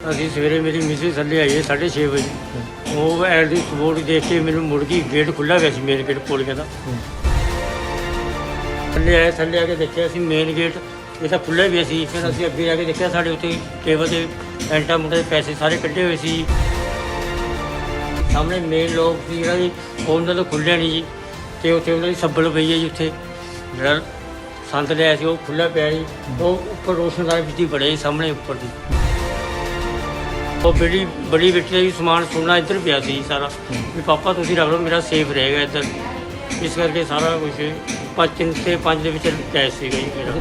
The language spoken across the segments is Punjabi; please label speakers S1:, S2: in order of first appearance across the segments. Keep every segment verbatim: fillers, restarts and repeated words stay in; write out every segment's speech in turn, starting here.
S1: ਅਸੀਂ ਸਵੇਰੇ ਮੇਰੀ ਮਿਸਿਸ ਥੱਲੇ ਆਈ ਹੈ ਸਾਢੇ ਛੇ ਵਜੇ। ਉਹ ਐਡ ਦੀ ਸਪੋਰਟ ਦੇਖ ਕੇ ਮੈਨੂੰ ਮੁੜ ਗਈ, ਗੇਟ ਖੁੱਲ੍ਹਾ ਗਿਆ ਸੀ ਮੇਨ ਗੇਟ ਪੌੜੀਆਂ ਦਾ। ਥੱਲੇ ਆਏ, ਥੱਲੇ ਆ ਕੇ ਦੇਖਿਆ ਅਸੀਂ ਮੇਨ ਗੇਟ ਇਹ ਤਾਂ ਖੁੱਲ੍ਹਾ ਵੀ ਸੀ। ਫਿਰ ਅਸੀਂ ਅੱਗੇ ਜਾ ਕੇ ਦੇਖਿਆ ਸਾਡੇ ਉੱਤੇ ਟੇਬਲ 'ਤੇ ਐਂਟਾ ਮੁੰਡੇ ਦੇ ਪੈਸੇ ਸਾਰੇ ਕੱਢੇ ਹੋਏ ਸੀ। ਸਾਹਮਣੇ ਮੇਨ ਲੋਕ ਸੀ ਜਿਹੜਾ ਜੀ ਉਹਨਾਂ ਤੋਂ ਖੁੱਲ੍ਹਿਆ ਨਹੀਂ ਜੀ, ਅਤੇ ਉੱਥੇ ਉਹਨਾਂ ਦੀ ਸੱਬਲ ਪਈ ਹੈ ਜੀ। ਉੱਥੇ ਜਿਹੜਾ ਸੰਦ ਲਿਆ ਸੀ ਉਹ ਖੁੱਲ੍ਹਾ ਪਿਆ ਜੀ। ਉਹ ਉੱਪਰ ਰੋਸ਼ਨਦਾਨ ਵਿੱਚ ਹੀ ਬੜੇ ਸਾਹਮਣੇ ਉੱਪਰ ਦੀ ਉਹ ਬੜੀ ਬੜੀ ਬੇਟੀ ਦਾ ਵੀ ਸਮਾਨ ਸੋਨਾ ਇੱਧਰ ਪਿਆ ਸੀ ਸਾਰਾ, ਵੀ ਪਾਪਾ ਤੁਸੀਂ ਰੱਖ ਲਓ ਮੇਰਾ ਸੇਫ ਰਹੇਗਾ ਇੱਧਰ। ਇਸ ਕਰਕੇ ਸਾਰਾ ਕੁਛ ਪੰਜ ਤਿੰਨ ਤੇ ਪੰਜ ਦੇ ਵਿੱਚ ਕੈਸ਼ ਸੀਗਾ ਜੀ ਮੇਰਾ।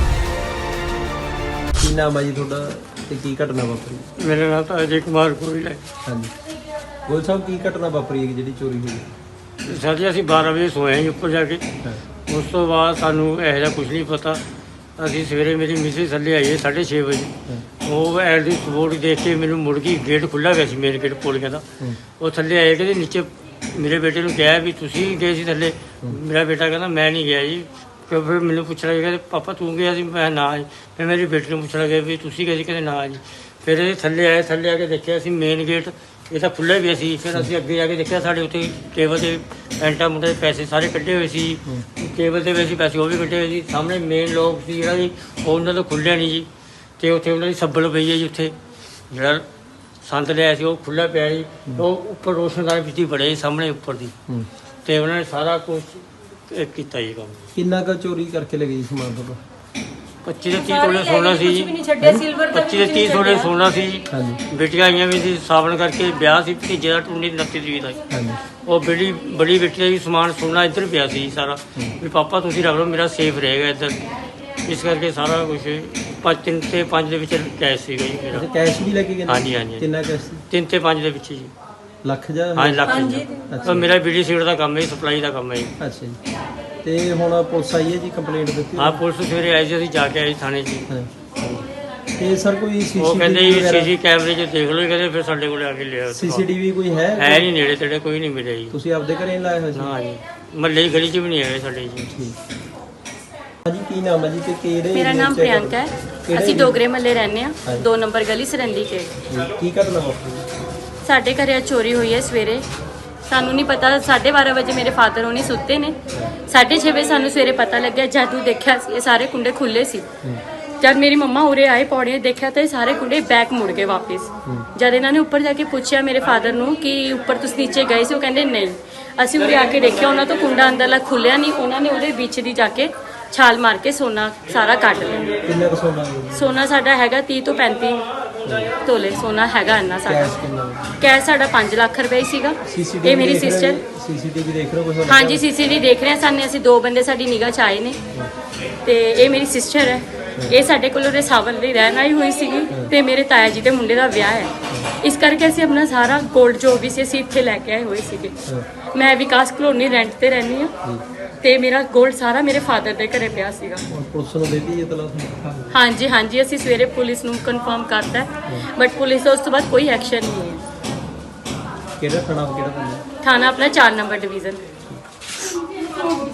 S2: ਕੀ ਨਾਮ ਹੈ ਜੀ ਤੁਹਾਡਾ ਤੇ ਕੀ ਘਟਨਾ ਵਾਪਰੀ?
S1: ਮੇਰਾ ਨਾਮ ਤਾਂ ਅਜੇ ਕੁਮਾਰ ਗੋਇਲ ਹੈ।
S2: ਹਾਂਜੀ ਗੋਇਲ ਸਾਹਿਬ, ਕੀ ਘਟਨਾ ਵਾਪਰੀ ਹੈ ਜਿਹੜੀ ਚੋਰੀ ਹੋਈ?
S1: ਸਰ ਜੀ ਅਸੀਂ ਬਾਰਾਂ ਵਜੇ ਸੋਏ ਹਾਂ ਜੀ ਉੱਪਰ ਜਾ ਕੇ। ਉਸ ਤੋਂ ਬਾਅਦ ਸਾਨੂੰ ਇਹੋ ਜਿਹਾ ਕੁਝ ਨਹੀਂ ਪਤਾ। ਅਸੀਂ ਸਵੇਰੇ ਮੇਰੀ ਮਿਸਿਸ ਥੱਲੇ ਆਈ ਹੈ ਸਾਢੇ ਛੇ ਵਜੇ। ਉਹ ਐਡ ਦੀ ਸਪੋਰਟ ਦੇਖ ਕੇ ਮੈਨੂੰ ਮੁੜ ਗਈ, ਗੇਟ ਖੁੱਲ੍ਹਾ ਗਿਆ ਸੀ ਮੇਨ ਗੇਟ ਪੌੜੀਆਂ ਦਾ। ਉਹ ਥੱਲੇ ਆਏ ਕਹਿੰਦੇ ਨੀਚੇ ਮੇਰੇ ਬੇਟੇ ਨੂੰ ਕਿਹਾ ਵੀ ਤੁਸੀਂ ਗਏ ਸੀ ਥੱਲੇ। ਮੇਰਾ ਬੇਟਾ ਕਹਿੰਦਾ ਮੈਂ ਨਹੀਂ ਗਿਆ ਜੀ। ਫਿਰ ਫਿਰ ਮੈਨੂੰ ਪੁੱਛਣ ਲੱਗੇ ਕਹਿੰਦੇ ਪਾਪਾ ਤੂੰ ਗਿਆ ਸੀ? ਮੈਂ ਨਾ ਜੀ। ਫਿਰ ਮੇਰੀ ਬੇਟੀ ਨੂੰ ਪੁੱਛਣ ਲੱਗੇ ਵੀ ਤੁਸੀਂ ਗਏ ਸੀ? ਕਹਿੰਦੇ ਨਾ ਜੀ। ਫਿਰ ਇਹ ਥੱਲੇ ਆਏ, ਥੱਲੇ ਆ ਕੇ ਦੇਖਿਆ ਅਸੀਂ ਮੇਨ ਗੇਟ ਇਹ ਤਾਂ ਖੁੱਲ੍ਹਾ ਵੀ ਸੀ। ਫਿਰ ਅਸੀਂ ਅੱਗੇ ਜਾ ਕੇ ਦੇਖਿਆ ਸਾਡੇ ਉੱਤੇ ਟੇਬਲ 'ਤੇ ਐਂਟਾ ਮੁੰਡੇ ਦੇ ਪੈਸੇ ਸਾਰੇ ਕੱਢੇ ਹੋਏ ਸੀ। ਟੇਬਲ 'ਤੇ ਵੀ ਸੀ ਪੈਸੇ ਉਹ ਵੀ ਕੱਢੇ ਹੋਏ ਸੀ। ਸਾਹਮਣੇ ਮੇਨ ਲੋਕ ਸੀ ਜਿਹੜਾ ਜੀ ਉਹਨਾਂ ਤੋਂ ਖੁੱਲ੍ਹਿਆ ਨਹੀਂ ਜੀ, ਅਤੇ ਉੱਥੇ ਉਹਨਾਂ ਦੀ ਸੱਬਲ ਪਈ ਹੈ ਜੀ। ਉੱਥੇ ਜਿਹੜਾ ਸੰਦ ਲਿਆ ਸੀ ਉਹ ਖੁੱਲ੍ਹਾ ਪਿਆ ਜੀ। ਉਹ ਉੱਪਰ ਰੋਸ਼ਨਦਾਨ ਵਿੱਚ ਹੀ ਬੜੇ ਸਾਹਮਣੇ ਉੱਪਰ ਦੀ, ਅਤੇ ਉਹਨਾਂ ਨੇ ਸਾਰਾ ਕੁਛ ਇਹ ਕੀਤਾ ਜੀ ਕੰਮ।
S2: ਕਿੰਨਾ ਕੁ ਚੋਰੀ ਕਰਕੇ ਲੈ ਗਈ ਸਮਾਨ ਤੁਹਾਡਾ?
S1: ਪੱਚੀ ਤੋਂ ਤੀਹ ਤੋਲੇ ਸੋਨਾ ਸੀ ਜੀ। ਪੱਚੀ ਤੋਂ ਤੀਹ ਤੋਲੇ ਸੋਨਾ ਸੀ ਜੀ।
S2: ਹਾਂਜੀ
S1: ਬੇਟੀਆਂ ਆਈਆਂ ਵੀ ਸੀ ਸਾਵਣ ਕਰਕੇ, ਵਿਆਹ ਸੀ ਭਤੀਜੇ ਦਾ ਟੁੰਡੀ ਉਨੱਤੀ ਤਰੀਕ ਦਾ।
S2: ਹਾਂਜੀ
S1: ਉਹ ਬੜੀ ਬੜੀ ਬੇਟੀ ਦਾ ਵੀ ਸਮਾਨ ਸੋਨਾ ਇੱਧਰ ਪਿਆ ਸੀ ਸਾਰਾ, ਵੀ ਪਾਪਾ ਤੁਸੀਂ ਰੱਖ ਲਓ ਮੇਰਾ ਸੇਫ ਰਹੇਗਾ ਇੱਧਰ। ਇਸ ਕਰਕੇ ਸਾਰਾ ਕੁਛ ਪੰਜ ਤਿੰਨ ਤੇ ਪੰਜ ਦੇ ਵਿੱਚ ਕੈਸ਼ ਸੀਗਾ ਜੀ ਮੇਰਾ।
S2: ਅੱਛਾ ਕੈਸ਼ ਵੀ ਲੈ ਕੇ ਗਏ?
S1: ਹਾਂਜੀ ਹਾਂਜੀ
S2: ਕਿੰਨਾ ਕੈਸ਼ ਸੀ?
S1: ਤਿੰਨ ਤੇ ਪੰਜ ਦੇ ਵਿੱਚ ਜੀ।
S2: ਲੱਖ ਜਾਂ?
S1: ਹਾਂਜੀ ਲੱਖ ਜੀ।
S2: ਅੱਛਾ।
S1: ਮੇਰਾ ਬੀਡੀ ਸੀਟ ਦਾ ਕੰਮ ਹੈ, ਸਪਲਾਈ ਦਾ ਕੰਮ ਹੈ ਜੀ।
S2: ਅੱਛਾ ਜੀ। ਤੇ ਹੁਣ ਪੁਲਿਸ ਆਈ ਹੈ ਜੀ, ਕੰਪਲੇਂਟ ਦਿੱਤੀ?
S1: ਹਾਂ ਪੁਲਿਸ ਸਵੇਰੇ ਆਈ ਸੀ, ਅਸੀਂ ਜਾ ਕੇ ਆਏ ਥਾਣੇ 'ਚ।
S2: ਹਾਂ। ਤੇ ਸਰ ਕੋਈ
S1: ਉਹ ਕਹਿੰਦੇ ਜੀ
S2: ਸੀਸੀਟੀਵੀ
S1: ਸੀਸੀ ਕੈਮਰੇ 'ਚ ਦੇਖ ਲਓ, ਕਹਿੰਦੇ ਫਿਰ ਸਾਡੇ ਕੋਲ ਆ ਕੇ ਲਿਆ।
S2: ਸੀਸੀਟੀਵੀ ਕੋਈ ਹੈ?
S1: ਹੈ ਨਹੀਂ ਨੇੜੇ ਤੇੜੇ, ਕੋਈ ਨਹੀਂ ਮਿਲਿਆ ਜੀ।
S2: ਤੁਸੀਂ ਆਪਦੇ ਘਰੇ ਲਾਇਆ ਹੋਇਆ ਸੀ?
S1: ਨਾ ਜੀ, ਮਹੱਲੇ ਦੀ ਗਲੀ 'ਚ ਵੀ ਨਹੀਂ ਹੈਗੇ ਸਾਡੇ ਜੀ।
S2: ਠੀਕ। ਹਾਂਜੀ ਕੀ ਨਾਮ ਹੈ ਜੀ ਤੇ ਕਿਹੜੇ?
S3: ਮੇਰਾ ਨਾਮ ਪ੍ਰਿਯੰਕਾ ਹੈ। ਅਸੀਂ ਡੋਗਰੇ ਮੱਲੇ ਰਹਿੰਦੇ ਹਾਂ, ਦੋ ਨੰਬਰ ਗਲੀ ਸਰੰਦੀ ਕੇ।
S2: ਕੀ ਘਟਨਾ ਵਾਪਰੀ?
S3: ਸਾਡੇ ਘਰੇ ਚੋਰੀ ਹੋਈ ਹੈ ਸਵੇਰੇ। ਸਾਨੂੰ ਨਹੀਂ ਪਤਾ, ਸਾਢੇ ਬਾਰਾਂ ਵਜੇ ਮੇਰੇ ਫਾਦਰ ਹੋਣੀ ਸੁੱਤੇ ਨੇ। ਸਾਢੇ ਛੇ ਵਜੇ ਸਾਨੂੰ ਸਵੇਰੇ ਪਤਾ ਲੱਗਿਆ, ਜਦੋਂ ਦੇਖਿਆ ਇਹ ਸਾਰੇ ਕੁੰਡੇ ਖੁੱਲੇ ਸੀ। ਜਦ ਮੇਰੀ ਮੰਮਾ ਉਰੇ ਆਏ ਪੌੜੀਆਂ ਦੇਖਿਆ ਤਾਂ ਇਹ ਸਾਰੇ ਕੁੰਡੇ ਬੈਕ ਮੁੜ ਗਏ ਵਾਪਸ। ਜਦ ਇਹਨਾਂ ਨੇ ਉੱਪਰ ਜਾ ਕੇ ਪੁੱਛਿਆ ਮੇਰੇ ਫਾਦਰ ਨੂੰ ਕਿ ਉੱਪਰ ਤੁਸੀਂ ਨੀਚੇ ਗਏ ਸੀ, ਉਹ ਕਹਿੰਦੇ ਨਹੀਂ। ਅਸੀਂ ਉਰੇ ਆ ਕੇ ਦੇਖਿਆ ਉਹਨਾਂ ਤੋਂ ਕੁੰਡਾ ਅੰਦਰਲਾ ਖੁੱਲਿਆ ਨਹੀਂ, ਉਹਨਾਂ ਨੇ ਉਹਦੇ ਵਿੱਚ ਦੀ ਜਾ ਕੇ ਛਾਲ ਮਾਰ ਕੇ ਸੋਨਾ ਸਾਰਾ ਕੱਢ ਲਿਆ।
S2: ਕਿੰਨਾ ਕੁ ਸੋਨਾ?
S3: ਸੋਨਾ ਸਾਡਾ ਹੈਗਾ ਤੀਹ ਤੋਂ ਪੈਂਤੀ ਤੋਲੇ ਸੋਨਾ ਹੈਗਾ ਇੰਨਾ ਸਾਡਾ।
S2: ਕੈਸ਼ ਕਿੰਨਾ?
S3: ਕੈਸ਼ ਸਾਡਾ ਪੰਜ ਲੱਖ ਰੁਪਏ ਹੀ ਸੀਗਾ। ਇਹ ਮੇਰੀ ਸਿਸਟਰ।
S2: ਸੀਸੀਟੀਵੀ ਦੇਖ ਰਹੇ ਹੋ ਕੁਝ?
S3: ਹਾਂਜੀ ਸੀਸੀਟੀਵੀ ਦੇਖ ਰਹੇ ਹਾਂ। ਸਾਨੇ ਅਸੀਂ ਦੋ ਬੰਦੇ ਸਾਡੀ ਨਿਗਾਹ 'ਚ ਆਏ ਨੇ, ਤੇ ਇਹ ਮੇਰੀ ਸਿਸਟਰ ਹੈ। ਇਹ ਸਾਡੇ ਕੋਲ ਉਹਦੇ ਸਾਵਲ ਦੀ ਰਹਿਣ ਆਈ ਹੋਈ ਸੀਗੀ, ਤੇ ਮੇਰੇ ਤਾਇਆ ਜੀ ਦੇ ਮੁੰਡੇ ਦਾ ਵਿਆਹ ਹੈ। ਇਸ ਕਰਕੇ ਅਸੀਂ ਆਪਣਾ ਸਾਰਾ ਗੋਲਡ ਜੋ ਵੀ ਸੀ ਅਸੀਂ ਇੱਥੇ ਲੈ ਕੇ ਆਏ ਹੋਏ ਸੀਗੇ। ਮੈਂ ਵਿਕਾਸ ਕਲੋਨੀ ਰੈਂਟ ਤੇ ਰਹਿੰਦੀ ਹਾਂ, ਤੇ ਮੇਰਾ ਗੋਲਡ ਸਾਰਾ ਮੇਰੇ ਫਾਦਰ ਦੇ ਘਰੇ ਪਿਆ ਸੀਗਾ।
S2: ਪੁਲਿਸ ਨੂੰ ਦੇ ਦਿੱਤੀ ਇਤਲਾਹ?
S3: ਹਾਂਜੀ ਹਾਂਜੀ ਅਸੀਂ ਸਵੇਰੇ ਪੁਲਿਸ ਨੂੰ ਕਨਫਰਮ ਕਰਤਾ, ਬਟ ਪੁਲਿਸ ਦਾ ਉਸ ਤੋਂ ਬਾਅਦ ਕੋਈ ਐਕਸ਼ਨ ਨਹੀਂ ਹੈ।
S2: ਕਿਹੜਾ ਥਾਣਾ? ਕਿਹੜਾ ਥਾਣਾ?
S3: ਥਾਣਾ ਆਪਣਾ ਚਾਰ ਨੰਬਰ ਡਿਵੀਜ਼ਨ।